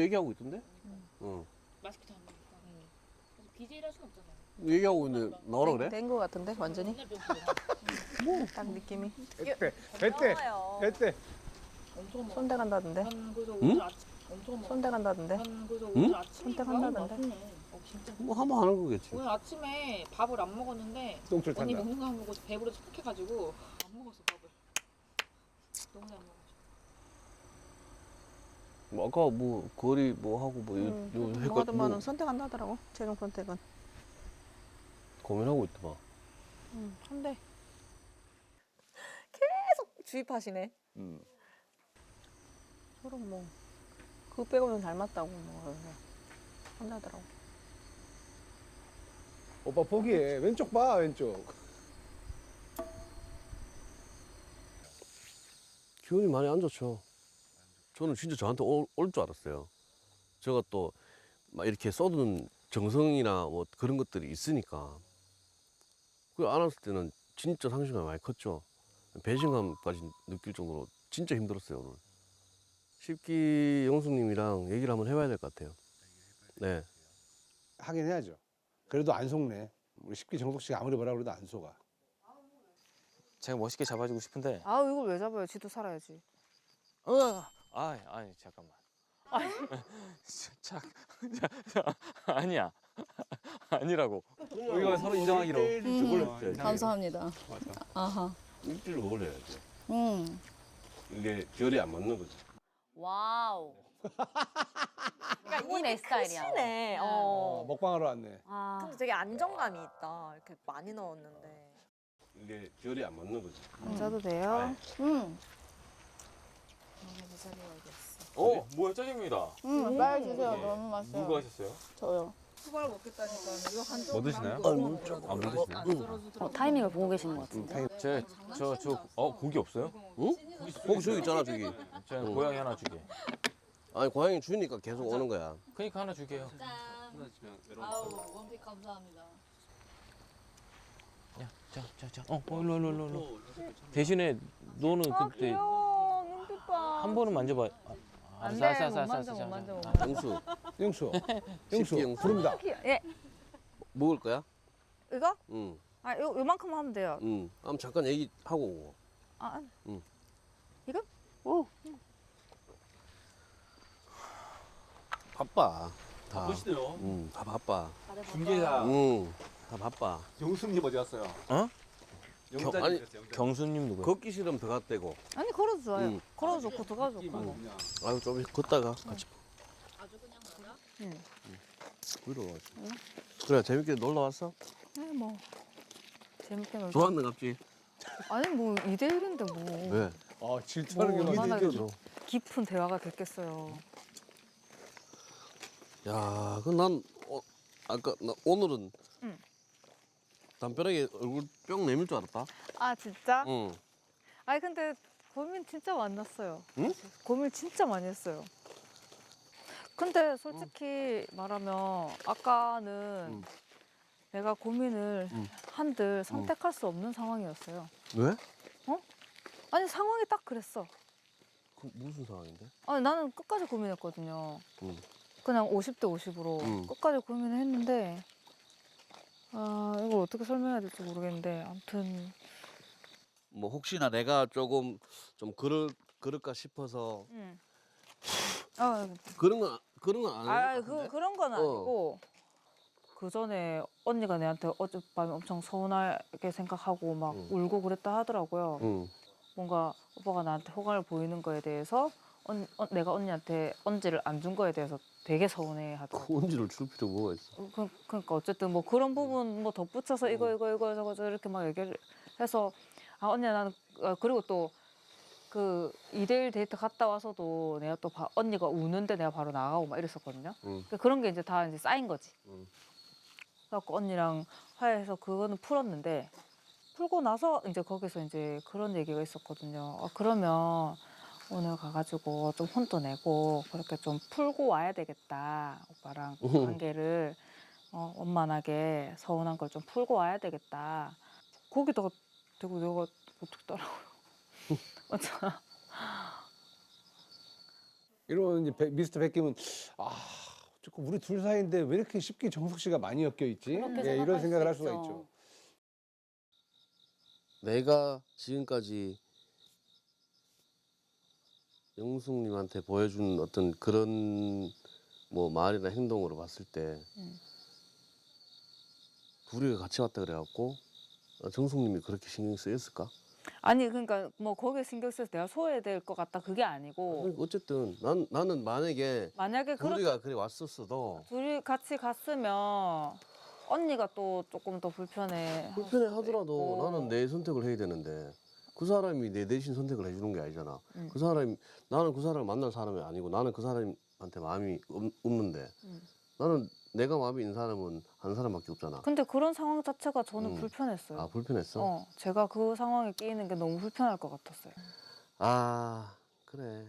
얘기하고 있던데? 응. 맛있게 잘 먹으니까. 그래서 BJ를 할 수는 없잖아요. 얘기하고 있는데 나오라 그래? 된 거 같은데 완전히. 맨날 배고프고. 딱 느낌이. 뱃대. 엄청 먹어. 손대 간다던데. 그래서 응? 오늘 아침 엄청 먹어. 손대 간다던데. 그래서 응? 오늘 아침에 선택한다던데. 맛있네. 진짜. 뭐 하면 하는 거겠지. 오늘 아침에 밥을 안 먹었는데 똥줄 언니 탄다. 먹는 거 보고 배부러 축축해가지고 안 먹었어 밥을. 너무 잘 먹었어. 뭐 아까 뭐 거리 뭐 하고 뭐 요 뭐 헷갈 하더만은 뭐 선택한다 하더라고. 최종 선택은. 고민하고 있더만. 한대. 주입하시네. 서로 뭐 그거 빼고는 잘 맞다고 뭐 그래서 한다더라고. 오빠 포기해. 왼쪽 봐, 왼쪽. 기운이 많이 안 좋죠. 저는 진짜 저한테 올 줄 알았어요. 제가 또 막 이렇게 쏟은 정성이나 뭐 그런 것들이 있으니까. 그걸 안 왔을 때는 진짜 상실감이 많이 컸죠. 배신감까지 느낄 정도로 진짜 힘들었어요, 오늘. 십기 영숙님이랑 얘기를 한번 해봐야 될 것 같아요. 네. 하긴 해야죠. 그래도 안 속네. 우리 십기 정석 씨가 아무리 뭐라 그래도 안 속아. 제가 멋있게 잡아주고 싶은데. 아 이걸 왜 잡아요? 지도 살아야지. 아니 잠깐만. 자, 아니야. 아니라고. 우리가 서로 인정하기로. 감사합니다. 아하. 일주일 올려야죠. 음. 이게 결이 안 맞는 거죠. 와우. 그러니까 이게 내 스타일이야. 크시네. 먹방하러 왔네. 아. 근데 되게 안정감이 있다. 이렇게 많이 넣었는데. 이게 결이 안 맞는 거죠. 앉아도 돼요? 음. 뭐야 짜장면이다. 빨리 주세요. 너무 맛있어요. 누가 하셨어요? 저요. 뭐 드시나요? 안 드시네. 타이밍을 보고 계시는 것 같은데. 고기 없어요? 응? 거기 저기 있잖아, 저기. 제가 고양이 하나 주게. 아니, 고양이 주니까 계속 오는 거야. 그러니까 하나 주게요. 아우 원픽 감사합니다. 야, 자. 일로. 대신에 너는 그때 눈빛 봐. 한 번은 만져봐. 안 돼, 못 만져, 못 만져, 못 만져. 영수, 영수. 십기 영수. 부릅니다. 예. 먹을 거야? 이거? 응, 아 요만큼 하면 돼요. 응. 한번 잠깐 얘기하고 오고. 아. 응. 이거? 오. 바빠. 다. 바쁘시대요. 응, 다 바빠. 중계사 응, 다 바빠. 영수님 어디 갔어요? 어? 영자님 아니, 그랬어요, 영자님. 경수님 누구야? 걷기 싫으면 더 갔대고. 아니 걸어도 좋아요. 응. 걸어도 좋고 더 가도 좋고. 뭐. 아유, 좀 걷다가 같이. 아주 그냥 가라. 응. 위로 와가지고. 그래, 재밌게 놀러 왔어? 아니 뭐 재밌게 놀자. 좋았는 갑지? 아니 뭐 2대1인데 뭐 왜? 질투하는 게 뭐, 많이 얼마나 느껴져. 깊은 대화가 됐겠어요. 야, 난 아까 나 오늘은 응. 담벼락에 얼굴 뿅 내밀 줄 알았다. 아 진짜? 응. 아니 근데 고민 진짜 많았어요. 응? 고민 진짜 많이 했어요. 근데 솔직히 말하면 아까는 응. 내가 고민을 응. 한들 선택할 수 없는 상황이었어요. 왜? 아니 상황이 딱 그랬어. 그 무슨 상황인데? 아니 나는 끝까지 고민했거든요. 응. 그냥 50대 50으로 응. 끝까지 고민을 했는데 아 이걸 어떻게 설명해야 될지 모르겠는데 아무튼 뭐 혹시나 내가 조금 좀 그럴까 싶어서 아, 그런 건 아닌 것 같은데? 그런 건 아니고 그 전에 언니가 내한테 어젯밤에 엄청 서운하게 생각하고 막 응. 울고 그랬다 하더라고요. 응. 뭔가 오빠가 나한테 호감을 보이는 거에 대해서 내가 언니한테 언지를 안 준 거에 대해서 되게 서운해 하더라고. 그 언지를 줄 필요가 뭐가 있어? 그러니까 어쨌든 뭐 그런 부분 뭐 덧붙여서 이거 저거 이렇게 막 얘기를 해서 아 언니야 나는 그리고 또 그 2대1 데이트 갔다 와서도 내가 또 언니가 우는데 내가 바로 나가고 막 이랬었거든요. 응. 그러니까 그런 게 이제 다 이제 쌓인 거지. 응. 그래갖고 언니랑 화해해서 그거는 풀었는데 풀고 나서 이제 거기서 이제 그런 얘기가 있었거든요. 아, 그러면 오늘 가가지고 좀 혼도 내고 그렇게 좀 풀고 와야 되겠다. 오빠랑 관계를 원만하게 서운한 걸 좀 풀고 와야 되겠다. 거기다가 대고 내가 어떻게 따라고요? 맞잖아. 이런 이제 미스터 백김은 조금 우리 둘 사이인데 왜 이렇게 쉽게 정숙 씨가 많이 엮여 있지? 그렇게 예, 이런 생각할 생각을 수 할 수가 있죠. 있죠. 내가 지금까지 영숙님한테 보여준 어떤 그런 뭐 말이나 행동으로 봤을 때 둘이가 같이 왔다 그래갖고 정숙님이 그렇게 신경 쓰였을까? 아니 그러니까 뭐 거기에 신경 써서 내가 소외될 것 같다 그게 아니고 어쨌든 나는 만약에 만약에 그렇게 둘이가 그래 왔었어도 둘이 같이 갔으면 언니가 또 조금 더 불편해. 불편해 하더라도 나는 내 선택을 해야 되는데 그 사람이 내 대신 선택을 해주는 게 아니잖아. 그 사람이 나는 그 사람을 만날 사람이 아니고 나는 그 사람한테 마음이 없는데 나는 내가 마음이 있는 사람은 한 사람밖에 없잖아. 근데 그런 상황 자체가 저는 불편했어요. 아 불편했어? 제가 그 상황에 끼이는 게 너무 불편할 것 같았어요. 아 그래.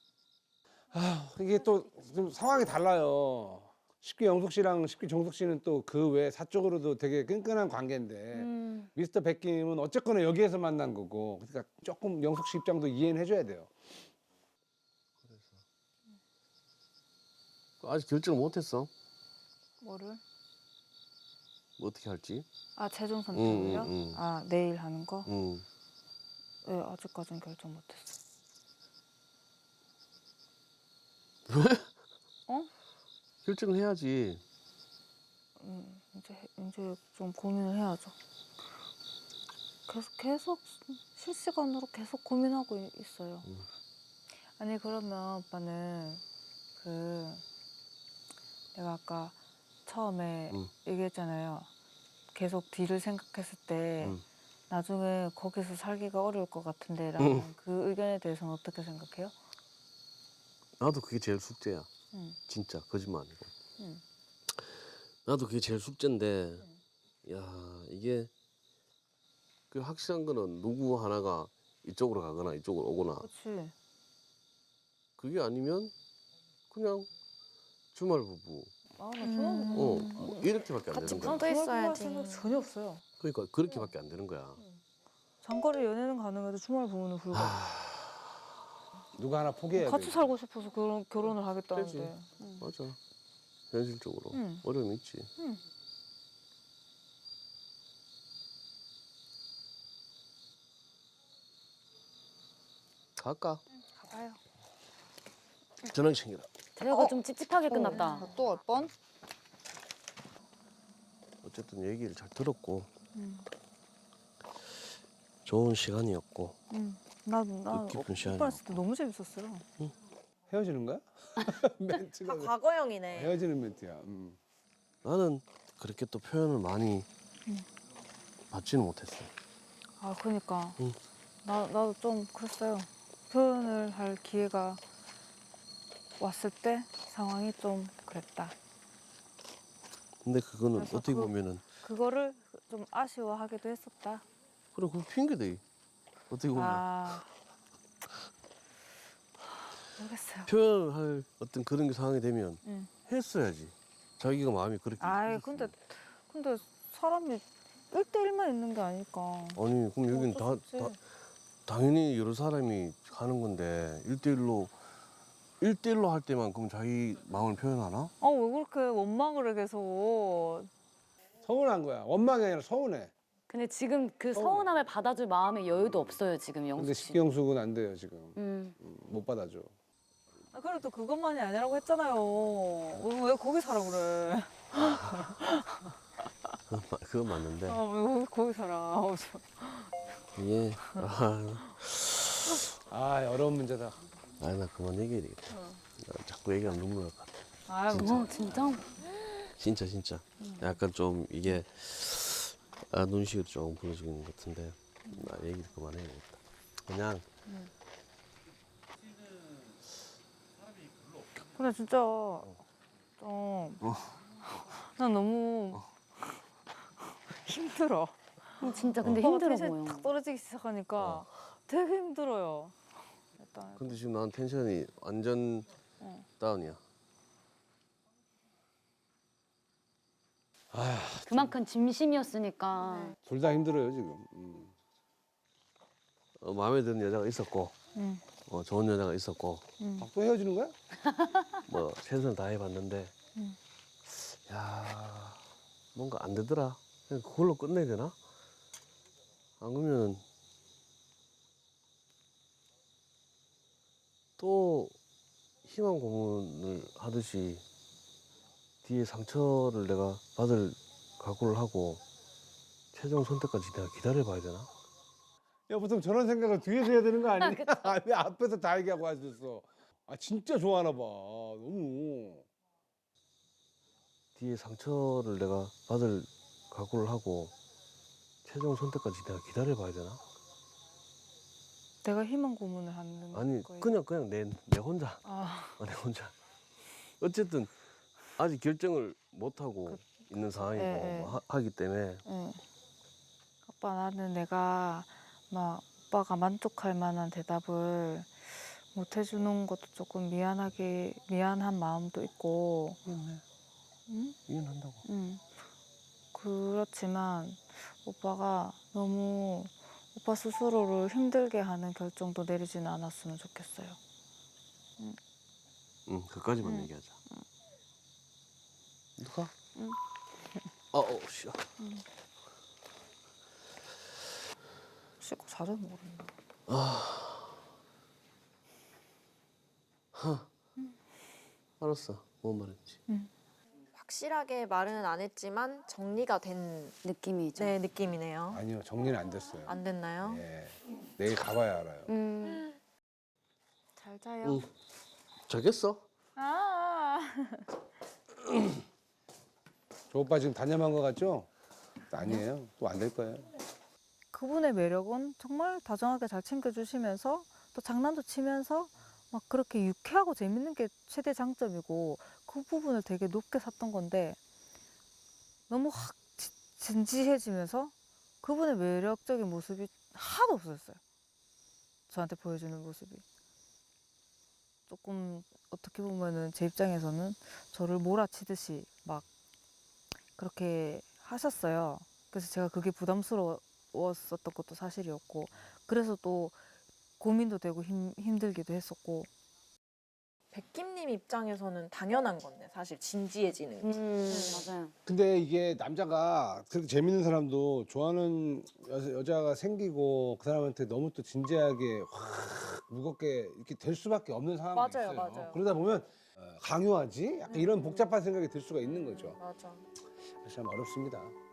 이게 또 좀 상황이 달라요. 쉽게 영숙 씨랑 쉽게 정숙 씨는 또 그 외 사적으로도 되게 끈끈한 관계인데 미스터 백김은 어쨌거나 여기에서 만난 거고 그러니까 조금 영숙 씨 입장도 이해는 해줘야 돼요. 아직 결정을 못했어. 뭐를? 뭐 어떻게 할지. 아 최종 선택을요? 응. 아 내일 하는 거? 응. 네, 아직까지는 결정 못했어요. 결정을 해야지. 이제 좀 고민을 해야죠. 계속 실시간으로 계속 고민하고 있어요. 아니 그러면 오빠는 그 내가 아까 처음에 얘기했잖아요. 계속 뒤를 생각했을 때 나중에 거기서 살기가 어려울 것 같은데라는 그 의견에 대해서는 어떻게 생각해요? 나도 그게 제일 숙제야. 진짜 거짓말 아니고. 나도 그게 제일 숙제인데 야 이게 그 확실한 거는 누구 하나가 이쪽으로 가거나 이쪽으로 오거나 그렇지. 그게 아니면 그냥 주말 부부 아, 나 주말 뭐 이렇게밖에 안 되는 거야. 또 있어야지. 생각 전혀 없어요. 그러니까 그렇게밖에 안 되는 거야. 장거리 연애는 가능해도 주말 부부는 불가. 누가 하나 포기해야 돼. 같이 살고 싶어서 결혼을 하겠다는데. 맞아. 현실적으로 응. 어려움이 있지. 응. 갈까? 가봐요. 전화기 챙겨라. 대화가 좀 찝찝하게 끝났다. 또 올 뻔? 어쨌든 얘기를 잘 들었고 좋은 시간이었고 나 뜻깊은 시간이었고. 오빠랑 있을 때 너무 재밌었어요. 헤어지는 거야? 멘트가 과거형이네. 헤어지는 멘트야. 나는 그렇게 또 표현을 많이 받지는 못했어. 아 그러니까 응. 나도 좀 그랬어요. 표현을 할 기회가 왔을 때 상황이 좀 그랬다. 근데 그거는 그래서 어떻게 보면은 그거를 좀 아쉬워하기도 했었다. 그래 그 핑계대. 어떻게 보면 아 모르겠어요. 표현할 어떤 그런 게 상황이 되면 응. 했어야지. 자기가 마음이 그렇게. 아이 있었으면. 근데 사람이 1대1만 있는 게 아니까. 아니 그럼 여기는 어쩔 수 없지. 당연히 여러 사람이 가는 건데 1대1로 할 때만 그럼 자기 마음을 표현하나? 아 왜 그렇게 원망을 해 계속. 서운한 거야. 원망이 아니라 서운해. 근데 지금 그 서운함을 받아줄 마음의 여유도 없어요, 지금 근데 영숙 씨. 식경숙은 안 돼요 지금. 음. 못 받아줘. 아, 그래도 그것만이 아니라고 했잖아요. 왜 거기 살아 그래? 그건 맞는데 왜 거기 살아? 이게 어려운 문제다. 나 그만 얘기해야 되겠다. 나 자꾸 얘기하면 눈물 날 것 같아. 아, 진짜? 진짜 약간 좀 이게 눈시울이 조금 부러지는 것 같은데 나 얘기를 그만해야겠다. 그냥 근데 진짜 좀 난 너무 힘들어. 진짜 근데 오빠가 힘들어 텐션이 보여. 탁 떨어지기 시작하니까 되게 힘들어요. 일단 근데 지금 난 텐션이 완전 다운이야. 그만큼 진심이었으니까. 둘 다 힘들어요 지금. 마음에 드는 여자가 있었고 좋은 여자가 있었고 아, 또 헤어지는 거야? 뭐 최선을 다해봤는데 야 뭔가 안 되더라. 그냥 그걸로 끝내야 되나? 안 그러면 또 희망 고문을 하듯이 뒤에 상처를 내가 받을 각오를 하고 최종 선택까지 내가 기다려봐야 되나? 야, 보통 저런 생각을 뒤에서 해야 되는 거 아니냐? 왜 앞에서 다 얘기하고 하셨어? 아, 진짜 좋아하나 봐. 너무. 뒤에 상처를 내가 받을 각오를 하고 최종 선택까지 내가 기다려봐야 되나? 내가 희망 고문을 하는 아니 거예요. 그냥 내 혼자 아, 내 혼자 어쨌든 아직 결정을 못 하고 있는 상황이고 예, 예. 하기 때문에 응. 아빠 나는 내가 막 오빠가 만족할 만한 대답을 못 해주는 것도 조금 미안한 마음도 있고. 응? 이혼한다고. 응. 그렇지만 오빠가 너무 오빠 스스로를 힘들게 하는 결정도 내리지는 않았으면 좋겠어요. 응 그까지만 응. 얘기하자. 누가? 응. 씨. 씻고 자주 모른다. 알았어. 뭔 말인지. 확실하게 말은 안 했지만 정리가 된 느낌이죠. 네, 느낌이네요. 아니요, 정리는 안 됐어요. 안 됐나요? 예. 내일 가봐야 알아요. 잘 자요. 응. 자겠어? 아. 저 오빠 지금 단념한 거 같죠? 아니에요. 또 안 될 거예요. 그분의 매력은 정말 다정하게 잘 챙겨주시면서 또 장난도 치면서 막 그렇게 유쾌하고 재밌는 게 최대 장점이고 그 부분을 되게 높게 샀던 건데 너무 확 진지해지면서 그분의 매력적인 모습이 하나도 없어졌어요. 저한테 보여주는 모습이. 조금 어떻게 보면은 제 입장에서는 저를 몰아치듯이 막 그렇게 하셨어요. 그래서 제가 그게 부담스러웠었던 것도 사실이었고 그래서 또 고민도 되고 힘들기도 했었고. 백김님 입장에서는 당연한 건데 사실 진지해지는 게. 맞아요. 근데 이게 남자가 그렇게 재밌는 사람도 좋아하는 여자가 생기고 그 사람한테 너무 또 진지하게 확 무겁게 이렇게 될 수밖에 없는 상황이 맞아요, 있어요. 맞아요. 그러다 보면 강요하지? 약간 이런 복잡한 생각이 들 수가 있는 거죠. 맞아. 참 어렵습니다.